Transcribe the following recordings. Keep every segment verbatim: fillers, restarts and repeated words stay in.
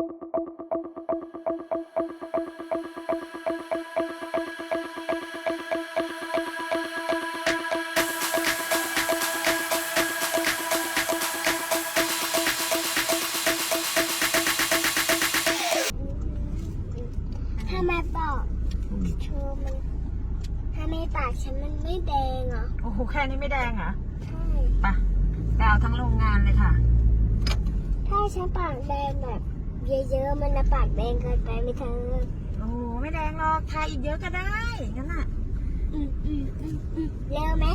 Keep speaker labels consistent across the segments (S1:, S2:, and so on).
S1: ทำไมปากเธอมันทำไมปากฉันมันไม่แดงอ่ะ
S2: โอ้โหแค่นี้ไม่แดงเหรอ
S1: ใช่
S2: ไปไปเอาทั้งโรงงานเลยค่ะ
S1: ถ้าฉันปากแดงแบบเยอะๆมันจะปากแดงเกินไปไหมเธอ
S2: โอ้โหไม่แดงหรอกทาอีกเยอะก็ได้งั้นน่ะ
S1: อืมอืมอืมอืมเร็วไหม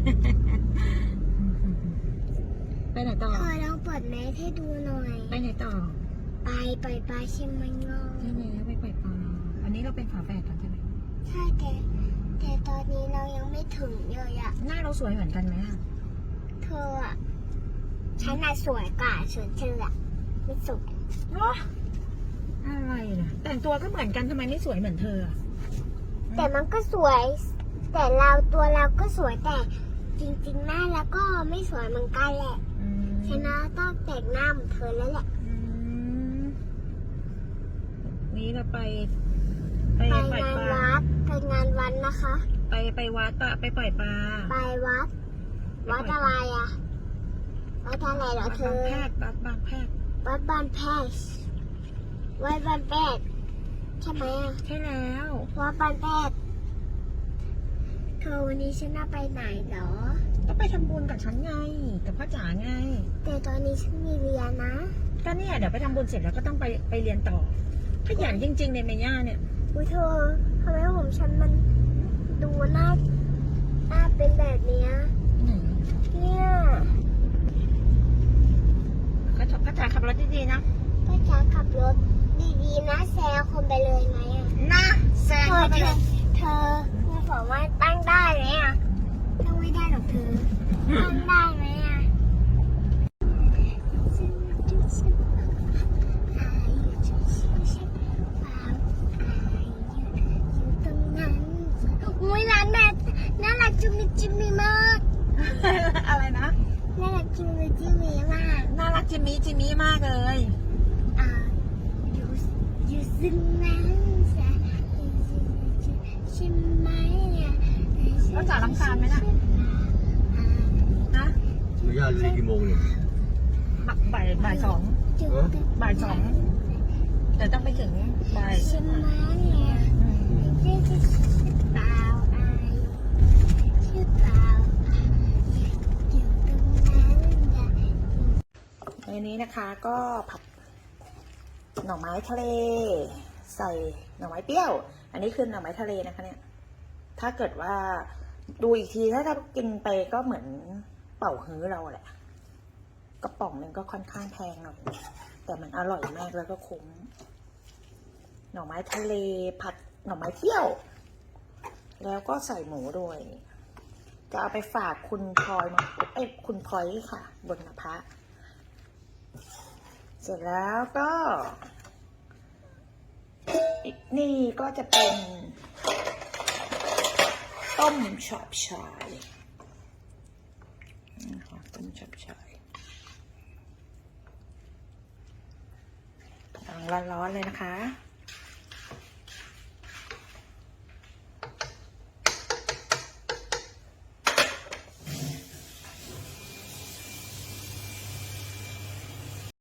S2: ไปไหนต่อ
S1: เธอลองเปิดแมสให้ดูหน่อย
S2: ไปไหนต่อ
S1: ไปไปไปใช่ไหมงอ
S2: ใช่แล้วไปปล่อยปลาอันนี้เราเป็นฝาแฝดกันใช่ไหม
S1: ใช่แต่แต่ตอนนี้เรายังไม่ถึงเลยอ่ะ
S2: หน้าเราสวยเหมือนกันไหมอะ
S1: เธออ่ะฉันน่ะสวยกว่าส่วนเธออ่ะไม่สวย
S2: เนาะอะไรนะแต่งตัวก็เหมือนกันทำไมไม่สวยเหมือนเธออะ
S1: แต่มันก็สวย แต่เราตัวเราก็สวยแต่จริงๆหน้าแล้วก็ไม่สวยเหมือนกันแหละ
S2: อืม
S1: ฉันน่ะต้องแต่งหน้าเหมือนเธอแล้วแหละ
S2: อืมนี้เราไป ไป
S1: ไป
S2: ปล่อย
S1: งาน
S2: ปลา
S1: วัดไปงานวันนะคะ
S2: ไปไปวัดปะไปปล่อยปลา
S1: ไปวัด วัดอะไรอ่ะวัดอะไรเหรอ
S2: วัด
S1: เธ
S2: บาง
S1: อ
S2: แพทย์วัดบางแพทย์
S1: วัดบ้านแพทย์วัดบ้านแพทย์ใช่ไหมอ่ะ
S2: ใช่แล้ว
S1: วัดบ้านแพทย์เธอวันนี้ฉันน่ะไปไหนเหรอ
S2: ก็ไปทำบุญกับฉันไง กับพ่อจ๋าไง
S1: แต่ตอนนี้ฉันมีเรียนนะ
S2: ก็เนี่ยเดี๋ยวไปทำบุญเสร็จแล้วก็ต้องไปไปเรียนต่อขยันจริงๆเลยเมย่าเนี่ย
S1: อุ้ยเธอทำไมผมฉันมันดูหน้าหน้าเป็นแบบเนี้ยเนี่ย
S2: พ่อจ๋าพ่อจ๋าขับรถดีๆนะ
S1: ป้าจ๋าขับรถดีๆนะแซงคนไปเลยไหมอ่ะ
S2: นะแซง
S1: เธอ
S2: เข้าไป
S1: เธ
S2: เล
S1: อย เธอคุณสามารถตั้งได้ไหมอ่ะตั้งไม่ได้หรอกเธอตั้งได้ไหมอ่ะอุ้ยร้านแบบน่ารักจุ๊มจิมมี่มาก
S2: อะไรนะ
S1: น่ารักจุ๊มจิมมี่มาก
S2: น่ารักจิมมี่จิมมี่มากเลย
S1: อ่าอยู่อยู่ซึ่งนั้นใช่ใช่ไหมอ่ะ
S2: พ่อจ๋ารำคาญไหมน่ะนะ
S3: หนูย่าเรียนกี่โมงเนี่ย
S2: บ่ายบ่ายสอง
S1: จุ๊บ
S2: บ่ายสองเดี๋ยวต้องไปถึงบ่าย
S1: ใช่ไหมอ่ะ
S2: อืม
S1: ชื่อชื่อเปล่าอายชื่อเปล่าอยู่ตรงนั้นอ่ะ
S2: ในนี้นะคะก็ผัดหน่อไม้ทะเล ใส่หน่อไม้เปรี้ยว อันนี้คือหน่อไม้ทะเลนะคะเนี่ย ถ้าเกิดว่าดูอีกทีถ้าถ้ากินไปก็เหมือนเป่าฮื้อเราแหละกระป๋องหนึงก็ค่อนข้างแพงหน่อยแต่มันอร่อยมากแล้วก็คุ้มหน่อไม้ทะเลผัดหน่อไม้เปรี้ยว แล้วก็ใส่หมูด้วยจะเอาไปฝากคุณพลอยมาเอ้ยคุณพลอยค่ะ บนนภะเสร็จแล้วก็นี่ก็จะเป็นต้มฉาบชายนะคะต้มฉาบชายกำลังร้อนๆเลยนะคะ